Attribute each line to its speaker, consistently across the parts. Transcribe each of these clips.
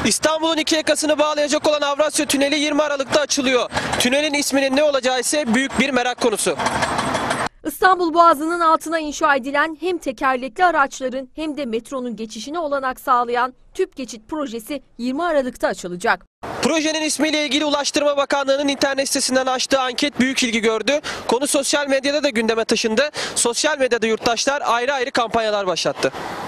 Speaker 1: İstanbul'un iki yakasını bağlayacak olan Avrasya Tüneli 20 Aralık'ta açılıyor. Tünelin isminin ne olacağı ise büyük bir merak konusu.
Speaker 2: İstanbul Boğazı'nın altına inşa edilen hem tekerlekli araçların hem de metronun geçişine olanak sağlayan tüp geçit projesi 20 Aralık'ta açılacak.
Speaker 1: Projenin ismiyle ilgili Ulaştırma Bakanlığı'nın internet sitesinden açtığı anket büyük ilgi gördü. Konu sosyal medyada da gündeme taşındı. Sosyal medyada yurttaşlar ayrı ayrı kampanyalar başlattı.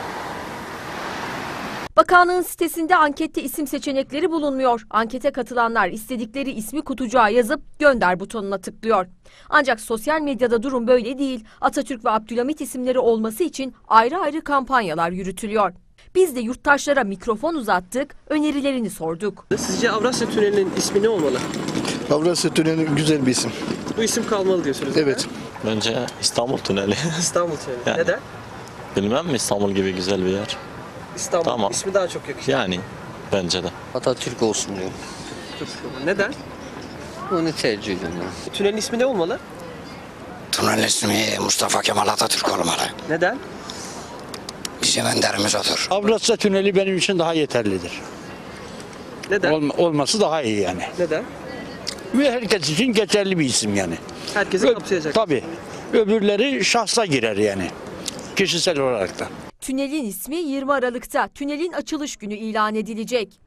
Speaker 2: Bakanlığın sitesinde ankette isim seçenekleri bulunmuyor. Ankete katılanlar istedikleri ismi kutucuğa yazıp gönder butonuna tıklıyor. Ancak sosyal medyada durum böyle değil. Atatürk ve Abdülhamit isimleri olması için ayrı ayrı kampanyalar yürütülüyor. Biz de yurttaşlara mikrofon uzattık, önerilerini sorduk.
Speaker 1: Sizce Avrasya Tüneli'nin ismi ne olmalı?
Speaker 3: Avrasya Tüneli güzel bir isim.
Speaker 1: Bu isim kalmalı diyorsunuz.
Speaker 3: Evet.
Speaker 4: Bence İstanbul Tüneli.
Speaker 1: İstanbul Tüneli.
Speaker 4: Yani.
Speaker 1: Neden?
Speaker 4: Bilmem mi, İstanbul gibi güzel bir yer.
Speaker 1: İstanbul
Speaker 4: Tamam.
Speaker 1: ismi daha çok yakışıyor.
Speaker 4: Yani bence de.
Speaker 5: Atatürk olsun diyorum.
Speaker 1: Neden?
Speaker 5: Onu tercih ediyorum.
Speaker 1: Tünelin ismi ne olmalı?
Speaker 6: Tünel ismi Mustafa Kemal Atatürk olmalı.
Speaker 1: Neden?
Speaker 6: Bizim önderimiz odur.
Speaker 7: Avrasya Tüneli benim için daha yeterlidir.
Speaker 1: Neden?
Speaker 7: Olması daha iyi yani.
Speaker 1: Neden?
Speaker 7: Ve herkes için geçerli bir isim yani.
Speaker 1: Herkesi kapsayacak.
Speaker 7: Tabii. Öbürleri şahsa girer yani. Kişisel olarak da.
Speaker 2: Tünelin ismi 20 Aralık'ta tünelin açılış günü ilan edilecek.